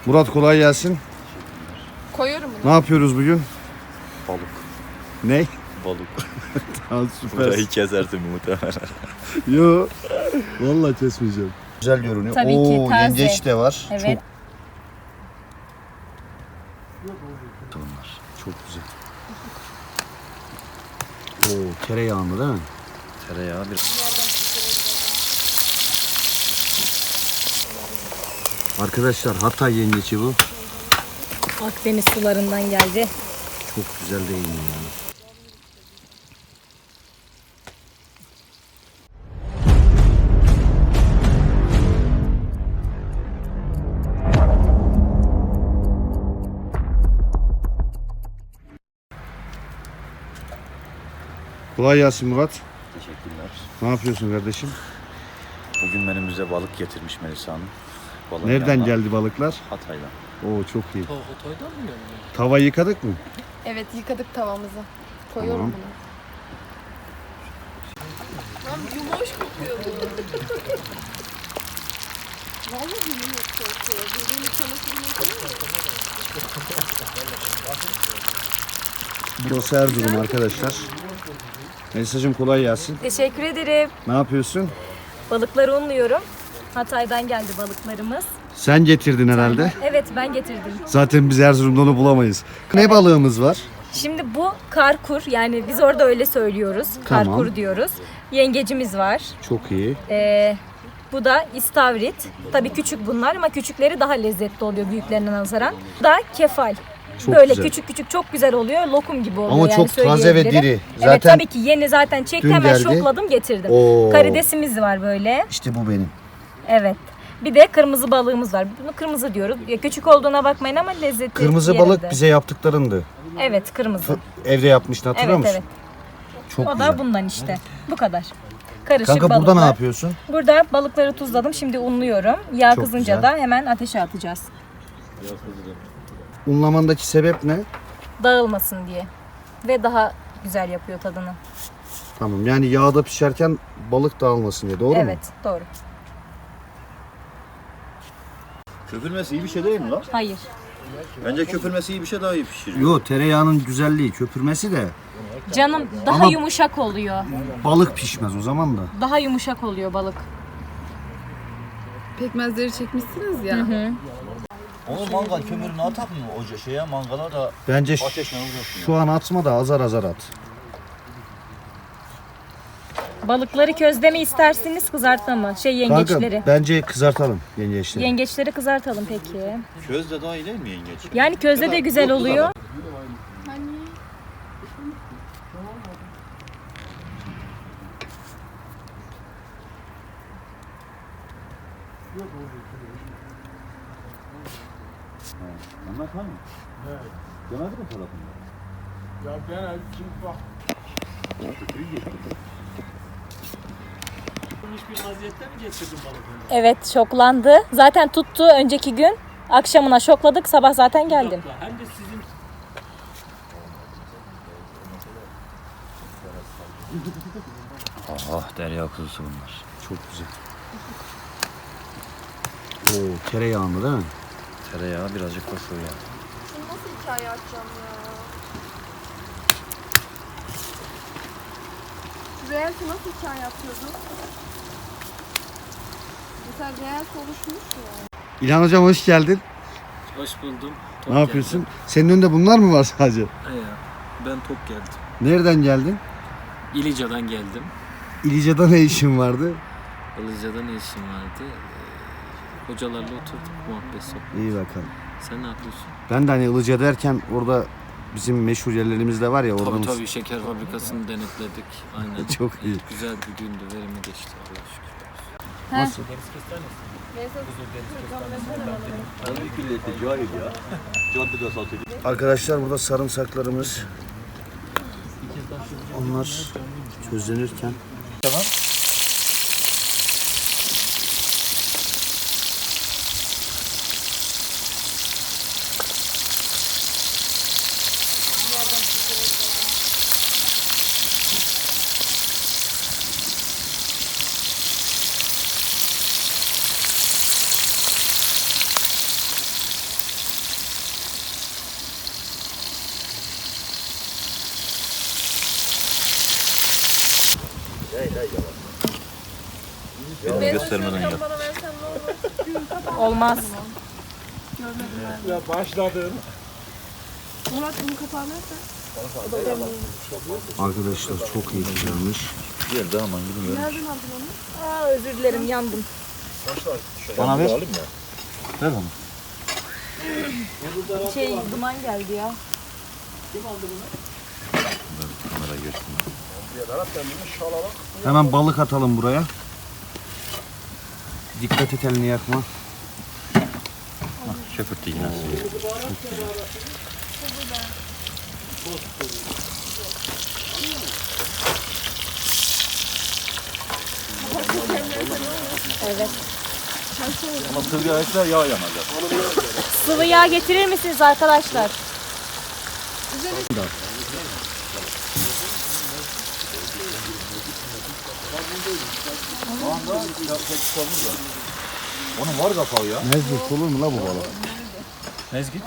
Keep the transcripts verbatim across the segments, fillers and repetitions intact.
Murat kolay gelsin. Koyuyorum bunu. Ne yapıyoruz bugün? Balık. Ne? Balık. Tamam süper. Burayı kesersin muhtemelen. Yo. Vallahi kesmeyeceğim. Güzel görünüyor. Tabii Oo, ki, taze. yengeç de var. Evet. Çok bunlar. Çok güzel. Oo, tereyağında değil mi? Tereyağı bir. Arkadaşlar Hatay yengeçi bu. Akdeniz sularından geldi. Çok güzel değil mi ya? Kolay gelsin Murat. Teşekkürler. Ne yapıyorsun kardeşim? Bugün menümüze balık getirmiş Melisa Hanım. Balığın Nereden yanına geldi balıklar? Hatay'dan. Oo çok iyi. Hatay'dan mı geldi? Tava yıkadık mı? Evet, yıkadık tavamızı. Koyuyorum Tamam. bunu. Lan yumuş kokuyor bu. Vallahi yumuş kokuyor. Dediğim çamaşırını koyuyor. Burası Erzurum arkadaşlar. Melisacığım kolay gelsin. Teşekkür ederim. Ne yapıyorsun? Balıkları unluyorum. Hatay'dan geldi balıklarımız. Sen getirdin herhalde. Evet, ben getirdim. Zaten biz Erzurum'da onu bulamayız. Ne balığımız var? Şimdi bu karkur, yani biz orada öyle söylüyoruz. Tamam. Karkur diyoruz. Yengecimiz var. Çok iyi. Ee, bu da istavrit. Tabii küçük bunlar ama küçükleri daha lezzetli oluyor büyüklerine nazaran. Bu da kefal. Çok Böyle güzel. küçük küçük çok güzel oluyor. Lokum gibi oluyor Ama yani, çok taze ve söyleyebilirim. diri. Evet, Zaten tabii ki yeni zaten çekti, dün hemen geldi. şokladım getirdim. Oo. Karidesimiz var böyle. İşte bu benim. Evet. Bir de kırmızı balığımız var. Bunu kırmızı diyoruz. Ya küçük olduğuna bakmayın ama lezzeti Kırmızı yerinde. balık bize yaptıklarındı. Evet, kırmızı. Evde yapmıştın, hatırlıyor Evet, musun? evet. Çok O güzel. da bundan işte. Bu kadar. Karışık Kanka balıklar. burada ne yapıyorsun? Burada balıkları tuzladım. Şimdi unluyorum. Yağ Çok kızınca güzel. da hemen ateşe atacağız. Unlamandaki sebep ne? Dağılmasın diye. Ve daha güzel yapıyor tadını. Tamam, yani yağda pişerken balık dağılmasın diye, doğru mu? Evet, doğru. Köpürmesi iyi bir şey değil mi lan? Hayır. Bence köpürmesi iyi bir şey, daha iyi pişiriyor. Yo, tereyağının güzelliği, köpürmesi de Canım daha Ama- yumuşak oluyor. balık pişmez o zaman da. Daha yumuşak oluyor balık. Pekmezleri çekmişsiniz ya. Onu mangal kömürünü atak mı oca şeye, mangala da Bence ş- ateşle uğraşmıyor. şu an atma da azar azar at. Balıkları közde mi istersiniz, kızartma mı? Şey, yengeçleri. Kanka bence kızartalım yengeçleri. Yengeçleri kızartalım peki. Közde daha iyi değil mi yengeç? Yani közde de güzel yok, bu oluyor. kadar. Anlat mı? Evet. Demedi mi tarafında? Ya ben şimdi bak. Bir vaziyette mi getirdin balıkları? Evet, şoklandı. Zaten tuttu önceki gün. Akşamına şokladık, sabah zaten geldim. Hem de sizin Ah, derya kuzusu bunlar. Çok güzel. Oo, tereyağında değil mi? Tereyağı birazcık koşuyor ya. Şunu nasıl hikaye açacağım ya? Reels'i nasıl hikaye atıyordun? Mesela Reels oluşmuş ya. İlhan hocam hoş geldin. hoş buldum. Ne yapıyorsun? Senin önünde bunlar mı var sadece? Ya, ben tok geldim. Nereden geldin? İlica'dan geldim. İlica'da ne işin vardı? İlica'da ne işim vardı? Ee, hocalarla oturduk, muhabbet sohbet. İyi bakalım. Sen ne yapıyorsun? Ben de hani Ilıca derken orada bizim meşhur yerlerimiz de var ya, oradan. Tabii tabii, şeker fabrikasını denetledik. Aynen. Çok iyi. Güzel bir gündü, verimli geçti Allah'a şükür. Nasıl? Arkadaşlar burada sarımsaklarımız. Onlar közlenirken. Tamam. göstermeden yap. Bana versen ne olur? Olmaz. Ya başladım. Murat bunun kapağını versen. Arkadaşlar çok iyi güzelmiş. Gel de aman gidin. Nereden aldın onu? Aa, özür dilerim, yandım. Bana ver. Alayım ya. Ver onu. Şey, duman geldi ya. Kamera geçtim. Hemen balık atalım buraya. Dikkat et, elini yakma. Şefirti yine. Evet. Ama sıvı yağ ekler yağ yanacak. Sıvı yağ getirir misiniz arkadaşlar? Onun var kapağı ya. Mezgit olur mu la bu balık? Mezgit.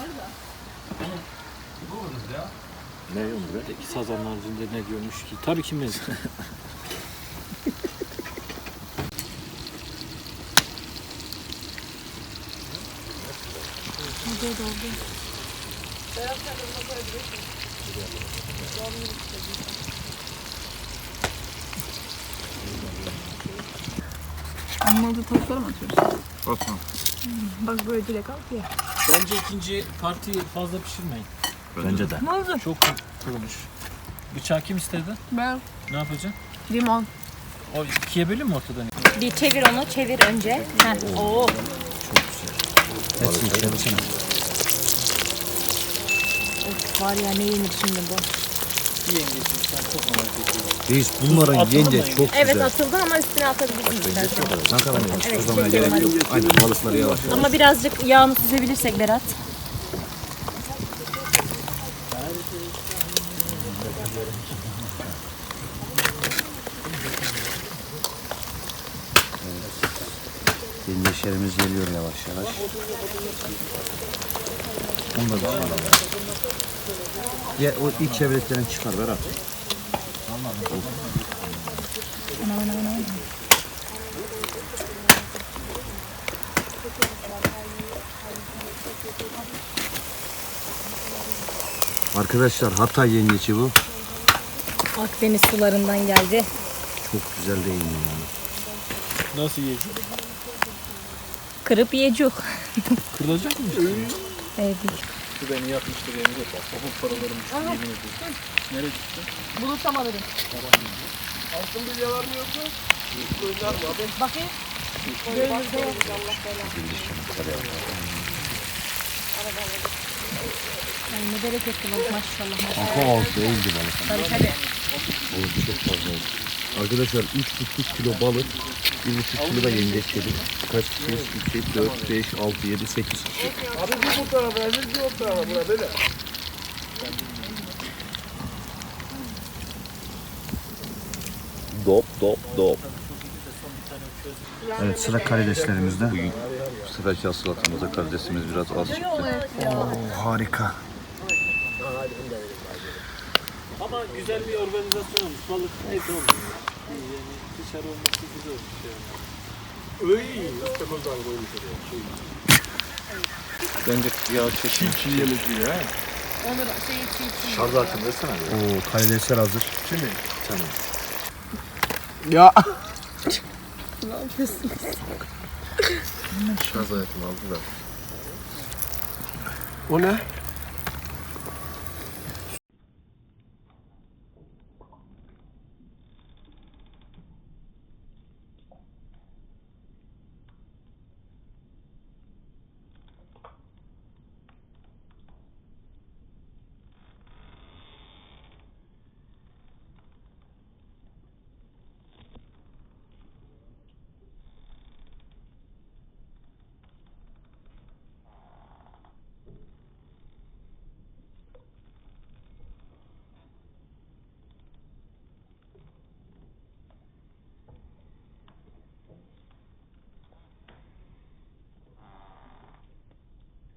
Ne yumru? İki sazanın haricinde ne diyormuş ki? Tabii ki mezgit. Anladı tavukları mı atıyorsun? Bakma. Bak böyle direkt al ya. Bence ikinci partiyi fazla pişirmeyin. Bence de. Ne oldu? Çok kurumuş. Bıçağı kim istedi? Ben Ne yapacaksın? limon. O ikiye bölün mü ortadan? Bir çevir onu, çevir önce. Heh. Oo. Hepsini çevirsene. Of, var ya, ne yenir şimdi bu? Bir yengesin sen çok merak ediyorum. Reis bunların Atıldı yenge mı? çok Evet, güzel. atıldı ama üstüne atabilirsiniz istersen. Ne kadar yavaş. Evet, O zaman çekiyorum gerek yok. Aynen, balıkları yavaş. Ama birazcık yağını süzebilirsek Berat. Yengeçlerimiz geliyor yavaş yavaş. Onu da çıkaralım. Ya o ilk çevreslerini çıkar Berat. Arkadaşlar Hatay yengeci bu. Akdeniz sularından geldi. Çok güzel değil mi yani? Nasıl yiyecek? Kırıp yiyecek. Kırılacak mı? Evet. Şu beni yapmıştır yenge bak. Okul paralarım düştü yemin ediyorum. Nereye çıktı? Bulursam alırım. Altın bilye var mı yoksa? Gözler mi abi? Bakayım. Gönlünüzde yok. Ay, ne bereketli balık maşallah. maşallah. Kafa altı değildi balık. Tabii tabii. Balık çok fazla oldu. Arkadaşlar üç buçuk kilo balık, bir buçuk kilo da yengeç yedik. Kaç kişiyiz? iki, dört, beş, altı, yedi, sekiz kişi. Abi bir bu tarafa, bir o tarafa. Bura böyle. Dop dop dop. Evet, sıra karideslerimizde. Bugün sıra salatamıza karidesimiz biraz az çıktı. Oo, harika. Ama güzel bir organizasyon olmuş. Balık neyse olmuş. Yani dışarı olması güzel olmuş yani. Öy, ıstakozdan koymuş oraya. Bence yağ çekin. Çiğ yemek gibi ha. Onu da şey çiğ çiğ. Şarjı açın versene. Oo, karidesler hazır. Kimi? Tamam. Ya. Ne yapıyorsun? Şarj ayetini aldı da. O ne?